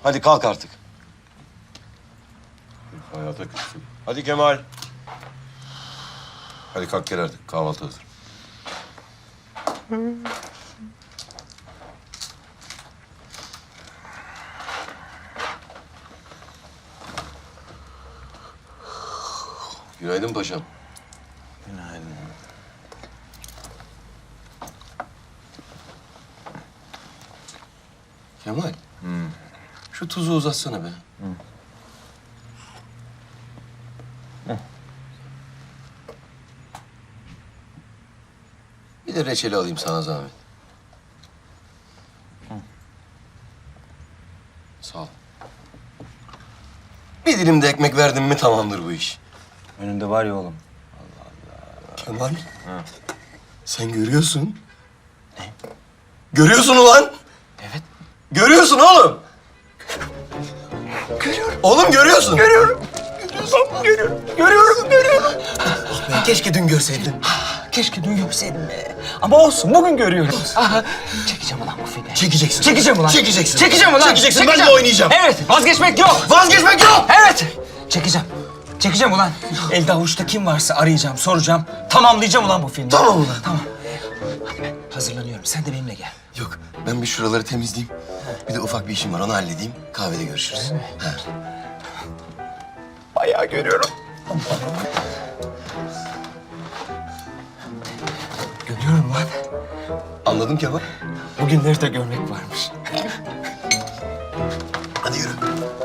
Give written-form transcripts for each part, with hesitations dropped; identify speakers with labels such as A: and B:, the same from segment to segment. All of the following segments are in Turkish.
A: Hadi kalk artık.
B: Hayata küstüm.
A: Hadi Kemal.
B: Hadi kalk gel artık. Kahvaltı hazır.
A: Günaydın paşam.
C: Günaydın.
A: Kemal. Şu tuzu uzatsana be. Bir de reçeli alayım sana zahmet. Sağ ol. Bir dilim de ekmek verdin mi tamamdır bu iş.
C: Önünde var ya oğlum.
A: Kemal. Sen görüyorsun. Ne? Görüyorsun ulan.
C: Evet.
A: Görüyorsun oğlum. Görüyorum. Oğlum görüyorsun. Görüyorum. Görüyorum. Ah be, keşke dün görseydin.
C: Keşke dün görseydim be. Ama olsun, bugün görüyorum. Aha, çekeceğim ulan bu filmi.
A: Çekeceksin.
C: Çekeceğim ulan.
A: Çekeceksin.
C: Çekeceğim ulan.
A: Çekeceksin. Ben de oynayacağım.
C: Evet, vazgeçmek yok.
A: Vazgeçmek yok.
C: Evet. Çekeceğim ulan. Elde avuçta kim varsa arayacağım, soracağım. Tamamlayacağım ulan bu filmi.
A: Tamam ulan.
C: Tamam. Hadi ben hazırlanıyorum. Sen de benimle gel.
A: Yok, ben bir şuraları temizleyeyim. Bir de ufak bir işim var, onu halledeyim. Kahvede görüşürüz. Ha.
C: Bayağı görüyorum. Görüyorum lan.
A: Anladım Kemal.
C: Bugünleri de görmek varmış.
A: Hadi yürü.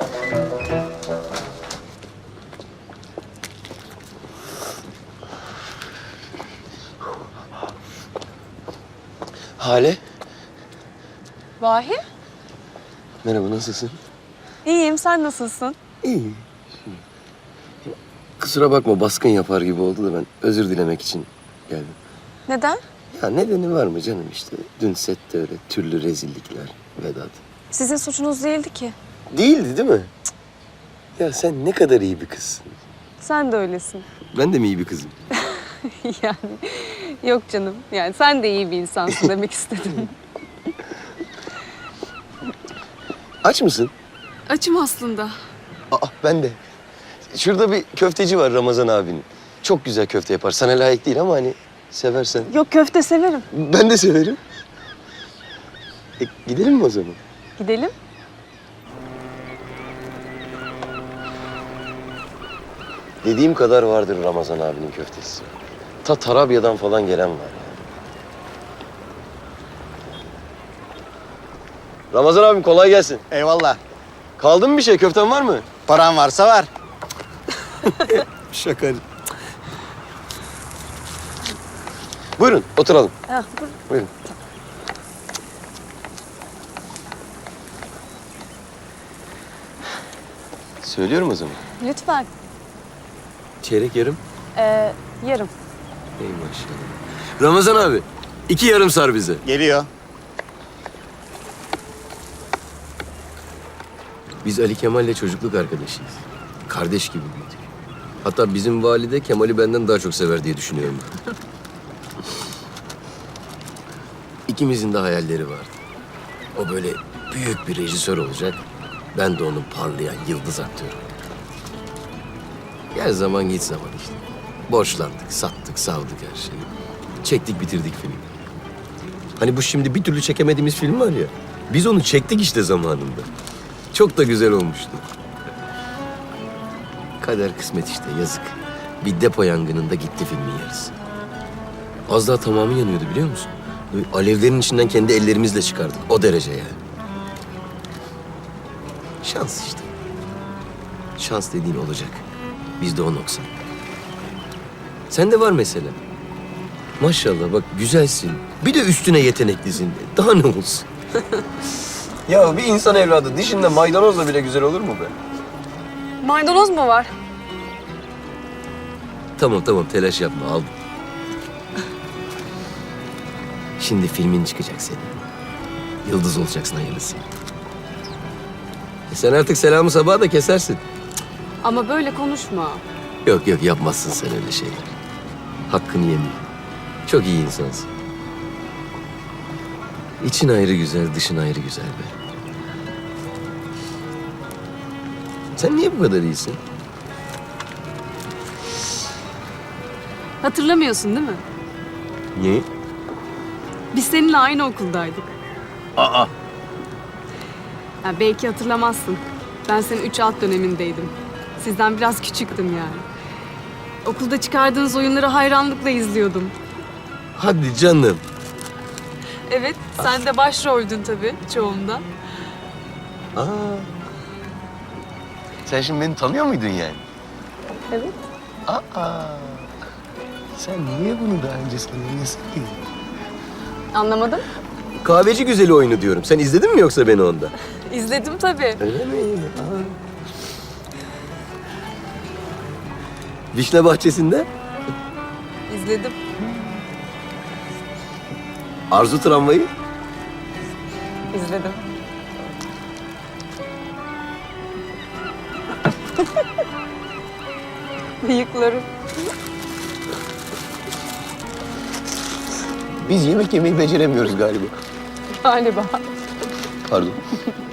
A: Hale,
D: Vahi?
A: merhaba, nasılsın?
D: İyiyim, sen nasılsın?
A: İyi. Kusura bakma, baskın yapar gibi oldu da ben özür dilemek için geldim.
D: Neden?
A: Ya nedeni var mı canım işte? Dün sette öyle türlü rezillikler, Vedat.
D: Sizin suçunuz değildi ki.
A: Değildi değil mi? Cık. Ya sen ne kadar iyi bir kızsın.
D: Sen de öylesin.
A: Ben de mi iyi bir kızım?
D: Yani yok canım. Yani sen de iyi bir insansın demek istedim.
A: Aç mısın?
D: Açım aslında.
A: Aa, ben de. Şurada bir köfteci var Ramazan abinin. Çok güzel köfte yapar. Sana layık değil ama hani seversen.
D: Yok, köfte severim.
A: Ben de severim. Gidelim mi o zaman?
D: Gidelim.
A: Dediğim kadar vardır Ramazan abinin köftesi. Ta Tarabya'dan falan gelen var ya. Ramazan abim kolay gelsin.
E: Eyvallah.
A: Kaldı mı bir şey? Köften var mı?
E: Paran varsa var.
A: Şaka. Buyurun oturalım.
D: Ah,
A: Buyurun. Söylüyorum o zaman.
D: lütfen.
A: Çeyrek yarım.
D: Yarım.
A: Ey maşallah. Ramazan abi, 2 yarım sar bize.
E: Geliyor.
A: Biz Ali Kemal'le çocukluk arkadaşıyız. Kardeş gibi büyüdük. Hatta bizim valide Kemal'i benden daha çok sever diye düşünüyorum. İkimizin de hayalleri vardı. O böyle büyük bir rejisör olacak. Ben de onun parlayan yıldız aktörü. Gel zaman git zaman işte. Borçlandık, sattık, savdık her şeyi. Çektik, bitirdik filmi. Hani bu şimdi bir türlü çekemediğimiz film var ya. Biz onu çektik işte zamanında. Çok da güzel olmuştu. Kader kısmet işte, yazık. Bir depo yangınında gitti filmin yarısı. Az daha tamamı yanıyordu biliyor musun? Böyle alevlerin içinden kendi ellerimizle çıkardık. O derece yani. Şans işte. Şans dediğin olacak. Bizde o noksan. Sende var mesela. Maşallah bak güzelsin. Bir de üstüne yeteneklisin. Daha ne olsun? Ya bir insan evladı dişinde maydanozla bile güzel olur mu be?
D: Maydanoz mu var?
A: Tamam tamam telaş yapma aldım. Şimdi filmin çıkacak senin. Yıldız olacaksın hayırlısı. Sen artık selamı sabaha da kesersin.
D: Ama böyle konuşma.
A: Yok yok yapmazsın sen öyle şeyler. Hakkını yemeyeyim. Çok iyi insansın. İçin ayrı güzel, dışın ayrı güzel be. Sen niye bu kadar iyisin?
D: Hatırlamıyorsun değil mi?
A: Niye?
D: Biz seninle aynı okuldaydık.
A: Aa.
D: Ha, belki hatırlamazsın. Ben senin 3 alt dönemindeydim. Sizden biraz küçüktüm yani. Okulda çıkardığınız oyunları hayranlıkla izliyordum.
A: Hadi canım.
D: Evet, sen de başroldün tabii çoğunda.
A: Aa. Sen şimdi beni tanıyor muydun yani?
D: Evet.
A: Aa. Sen niye bunu daha önce söylemiyorsun ki?
D: Anlamadım.
A: Kahveci güzeli oyunu diyorum. Sen izledin mi yoksa beni onda?
D: İzledim tabii.
A: Öyle mi? Aa. Vişne bahçesinde
D: İzledim.
A: Arzu tramvayı.
D: İzledim. Bıyıklarım.
A: Biz yemek yemeyi beceremiyoruz galiba.
D: Galiba.
A: Pardon.